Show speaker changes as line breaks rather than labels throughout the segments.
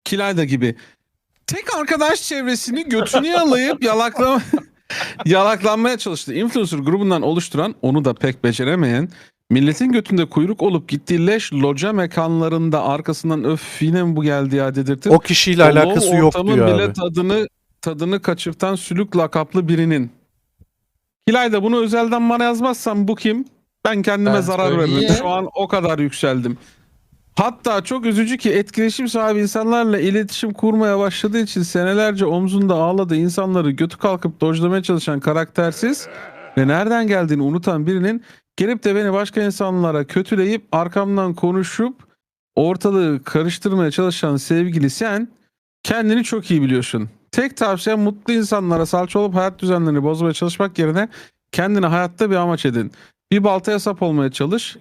Kilayda gibi. Tek arkadaş çevresini götünü yalayıp yalaklanmaya çalıştı. Influencer grubundan oluşturan, onu da pek beceremeyen, milletin götünde kuyruk olup gittiği leş loca mekanlarında arkasından öf yine mi bu geldi ya dedirtip
O kişiyle
o
alakası
low
yok
ortamın
diyor
bile
abi.
tadını kaçırtan sülük lakaplı birinin. Kilayda bunu özelden bana yazmazsan bu kim? Ben kendime
Ben
zarar veririm.
söyleyeyim.
Şu an o kadar yükseldim. Hatta çok üzücü ki etkileşim sahibi insanlarla iletişim kurmaya başladığı için senelerce omzunda ağladığı insanları götü kalkıp dojlamaya çalışan karaktersiz ve nereden geldiğini unutan birinin gelip de beni başka insanlara kötüleyip arkamdan konuşup ortalığı karıştırmaya çalışan sevgili sen kendini çok iyi biliyorsun. Tek tavsiyem mutlu insanlara salça olup hayat düzenlerini bozmaya çalışmak yerine kendine hayatta bir amaç edin. Bir baltaya sap olmaya çalış.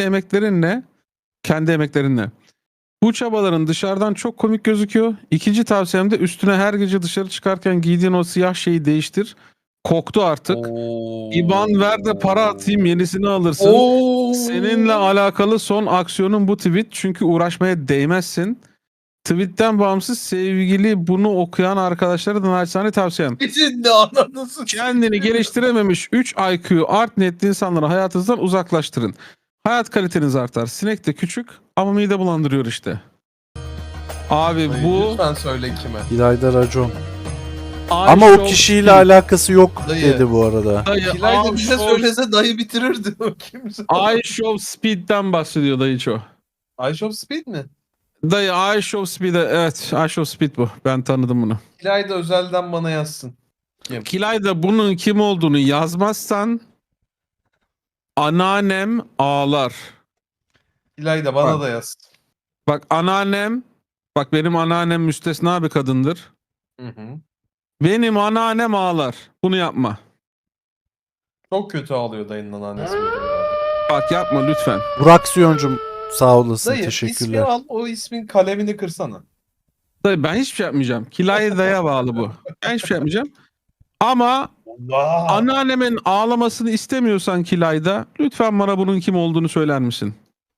Kendi emeklerinle. Bu çabaların dışarıdan çok komik gözüküyor. İkinci tavsiyem de üstüne her gece dışarı çıkarken giydiğin o siyah şeyi değiştir. Koktu artık. İban ver de para atayım, yenisini alırsın. Seninle alakalı son aksiyonun bu tweet, çünkü uğraşmaya değmezsin. Tweetten bağımsız sevgili bunu okuyan arkadaşlara da naçizane tavsiyem.
Şimdi anladın.
Kendini geliştirememiş 3 IQ art niyetli insanları hayatınızdan uzaklaştırın. Hayat kaliteniz artar. Sinek de küçük ama mide bulandırıyor işte. Abi bu
Lütfen söyle kime.
İlayda racon.
I
Ama o
show
kişiyle
speed.
alakası yok
Dayı.
dedi bu arada.
Dayı,
Kilayda
I
bize
show-
söylese dayı bitirirdi o kimse.
I show speed'den bahsediyor dayıço.
I Show Speed mi?
Dayı I show speed'e, evet, I show speed bu. Ben tanıdım bunu.
Kilayda özelden bana yazsın.
Kilayda bunun kim olduğunu yazmazsan anneannem ağlar.
Kilayda bana
Bak.
da yaz.
Bak bak benim anneannem müstesna bir kadındır.
Hı hı.
Benim anneannem ağlar. Bunu yapma.
Çok kötü ağlıyor dayının anneannesi.
Bak yapma lütfen.
Burak Siyoncum sağ olasın.
Dayı ismi
Teşekkürler.
al, o ismin kalemini kırsana.
Dayı ben hiçbir şey yapmayacağım. Kilayda'ya bağlı bu. Ben hiçbir şey yapmayacağım. Ama
Allah.
anneannemin ağlamasını istemiyorsan Kilayda, lütfen bana bunun kim olduğunu söyler misin?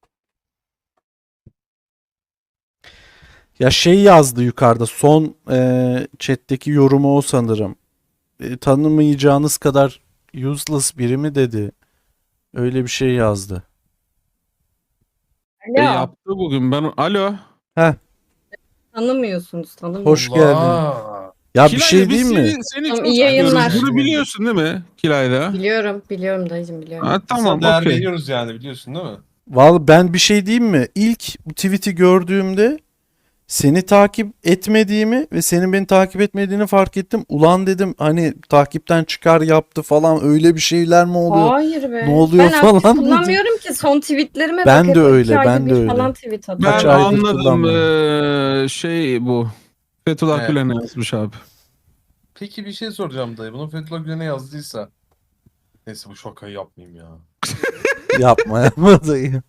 Ya şey yazdı yukarıda. Son chat'teki yorumu o sanırım. Tanımayacağınız kadar useless biri mi dedi. Öyle bir şey yazdı.
Alo.
Yaptı bugün. Alo.
Tanımıyorsunuz, tanımıyorsunuz.
Hoş geldin.
Allah.
Ya bir
Kilayda,
şey
biz
diyeyim mi?
Seni
Tamam,
çok
iyi yayınlar.
seviyoruz. Bunu biliyorsun değil mi Kilayda?
Biliyorum dayıcım biliyorum.
Ha,
Tamam,
tamam
değer
okey.
veriyoruz yani, biliyorsun değil mi?
Vallahi ben bir şey diyeyim mi? İlk bu tweet'i gördüğümde seni takip etmediğimi ve senin beni takip etmediğini fark ettim. Ulan dedim hani takipten çıkar yaptı falan, öyle bir şeyler mi oluyor?
Hayır be.
Ne oluyor
ben
falan
aktif
dedim.
kullanmıyorum ki, son tweetlerime
Ben
bak.
de
hep
öyle,
2 ayda
ben de
bir
öyle.
falan tweet
Ben
atıyorum.
Kaç aydır
anladım.
kullanmıyorum.
Şey bu. Fethullah
Evet.
Gülen'e yazmış abi.
Peki bir şey soracağım dayı. Bunu Fethullah Gülen'e yazdıysa. Neyse, bu şakayı yapmayayım ya.
Yapma dayı.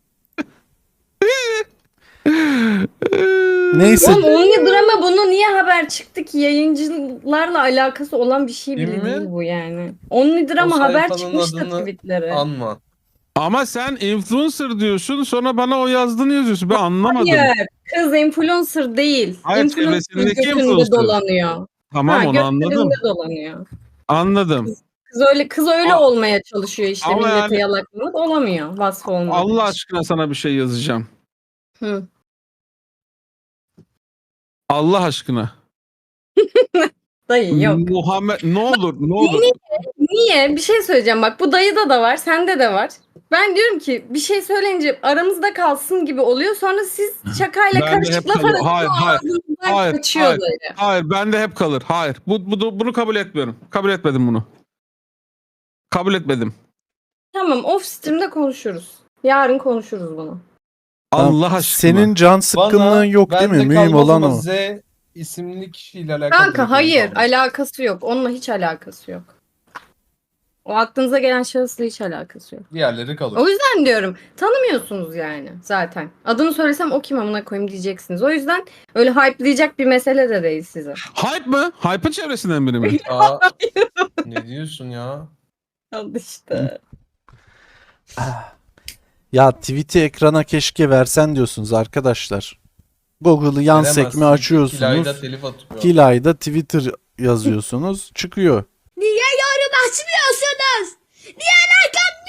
Neyse.
Oğlum Only Drama bunu niye haber çıktı ki? Yayıncılarla alakası olan bir şey bile
Değil mi?
değil bu yani. Only Drama
O
haber
sayfanın
çıkmıştı
adını
tweetleri.
Anma.
Ama sen influencer diyorsun, sonra bana o yazdığını yazıyorsun. Ben anlamadım.
Hayır, kız influencer değil.
Hayır,
Influencer
çevresindeki
götünde
influencer.
dolanıyor.
Tamam, onu anladım.
götlerinde dolanıyor.
Anladım.
Kız öyle
Aa,
olmaya çalışıyor işte,
ama
millete
yani-
yalakalık olamıyor vasfı olmadığı
Allah
için.
aşkına sana bir şey yazacağım.
Hı.
Allah aşkına.
Dayı yok.
Muhammed ne olur ne olur.
Niye? Bir şey söyleyeceğim, bak bu dayıda da var, sende de var. Ben diyorum ki bir şey söyleyince aramızda kalsın gibi oluyor. Sonra siz şakayla
Ben de hep
karışık laf
kalıyor.
arasında
Hayır,
ağzınızdan
hayır,
kaçıyor
hayır.
dayı.
Hayır, bende hep kalır. Hayır. Bunu kabul etmiyorum. Kabul etmedim bunu. Kabul etmedim.
Tamam, off stream'de konuşuruz. Yarın konuşuruz bunu.
Allah aşkına.
Senin can sıkkınlığın yok değil mi?
bende
Mühim
kalmaz
olan
ama
o.
Z isimli kişiyle alakalı.
Kanka
bir
hayır,
konu kalmış.
alakası yok. Onunla hiç alakası yok. O aklınıza gelen şahısla hiç alakası yok.
Diğerleri kalır.
O yüzden diyorum, tanımıyorsunuz yani zaten. Adını söylesem o kim amına koyayım diyeceksiniz. O yüzden öyle hype'layacak bir mesele de değil size.
Hype mı? Hype'ın çevresinden biri mi?
Aa, ne diyorsun ya?
Al işte.
Ya tweet'i ekrana keşke versen diyorsunuz arkadaşlar. Google'ı yan sekme
Veremezsin.
açıyorsunuz.
Kilayla telif atıyor.
Kilay'da Twitter yazıyorsunuz. Çıkıyor.
Niye yorum açmıyorsunuz? Niye like